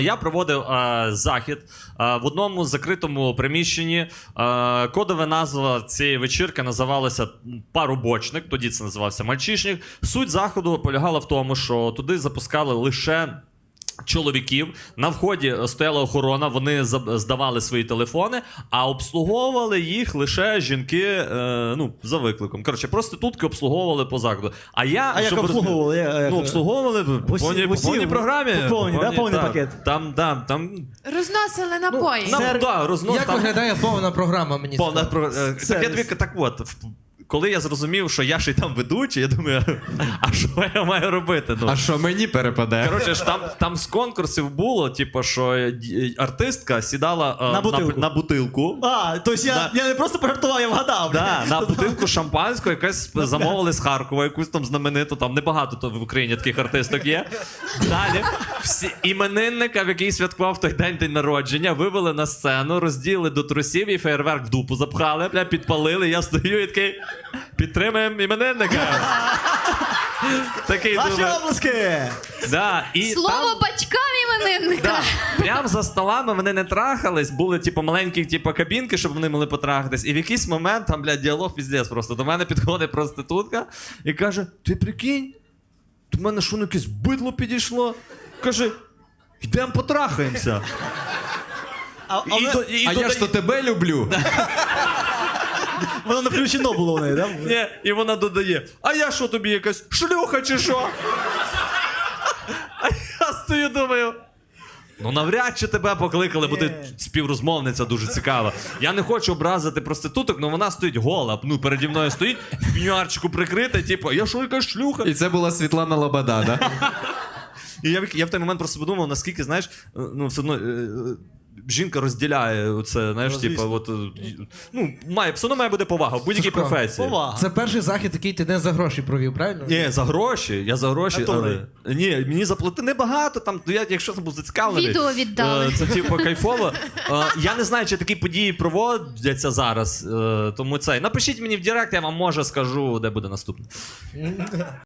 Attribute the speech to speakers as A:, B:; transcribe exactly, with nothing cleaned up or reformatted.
A: Я проводив е, захід е, в одному закритому приміщенні. Е, кодова назва цієї вечірки називалася «Парубочник», тоді це називався «Мальчишник». Суть заходу полягала в тому, що туди запускали лише чоловіків. На вході стояла охорона, вони здавали свої телефони, а обслуговували їх лише жінки, е, ну, за викликом. Коротше, проститутки обслуговували по закладу. А я...
B: А як обслуговували?
A: Я, ну, обслуговували по повній, по повній програмі.
B: По повній, да? Повний
A: та,
B: пакет.
A: Там, там, там...
C: Розносили напої.
A: Ну, нам, да, рознос,
D: Як
A: там...
D: виглядає повна програма, мені
A: повна
D: цікаво.
A: про... Так, я тобі, так от, коли я зрозумів, що я ще й там ведучий, я думаю, а що я маю робити? Ну,
E: А що мені перепаде?
A: коротше, ж там, там з конкурсів було, типу, що артистка сідала е,
B: На бутилку.
A: На, на бутилку.
B: А, тобто я,
A: Да.
B: я не просто пожартував, я вгадав.
A: Да, на бутилку шампанського, якась замовили з Харкова, якусь там знамениту, там небагато то в Україні таких артисток є. Далі всі іменинника, в який святкував той день день народження, вивели на сцену, розділи до трусів і фейерверк в дупу запхали, бля, підпалили, я стою і такий, підтримаємо іменинника. Такий
B: Ваші
A: думаю.
B: обласки!
A: Да, і
C: Слово
A: там...
C: батькам іменинника.
A: Да. Прям за столами вони не трахались, були типу маленькі типу, кабінки, щоб вони могли потрахатись. І в якийсь момент там, блядь, діалог піздець просто. До мене підходить проститутка і каже: ти прикинь, до мене що, ну якесь бидло підійшло? Каже, йдемо потрахаємося.
B: А, а
A: І
B: ви-
A: до- і
E: А
A: додає-
E: я ж то тебе люблю.
B: Воно не включено було в неї, так? Да?
A: Ні, і вона додає: а я що тобі, якась шлюха чи що? А я стою, думаю. Ну, навряд чи тебе покликали, бо ти співрозмовниця дуже цікава. Я не хочу образити проституток, але вона стоїть гола. Ну, переді мною стоїть, в пенюарчику прикрита, типу, я що, якась шлюха?
E: І це була Світлана Лобода, да?
A: І я, я в той момент просто подумав, наскільки, знаєш, ну, все одно, е, жінка розділяє це, знаєш,
B: Ну,
A: типу,
B: звісно.
A: от, е, ну, має, все одно має бути повага в будь-якій
D: Сашко,
A: професії.
B: Повага.
D: Це перший захід, який ти не за гроші провів, правильно?
A: Ні, за гроші, я за гроші,
B: Натурі.
A: але... Ні, мені заплатили небагато, там, я, якщо це був зацікавлений.
C: Відео віддали.
A: е, Це, типу, кайфово. Е, Я не знаю, чи такі події проводяться зараз, е, тому це... Напишіть мені в директ, я вам, може, скажу, де буде наступне.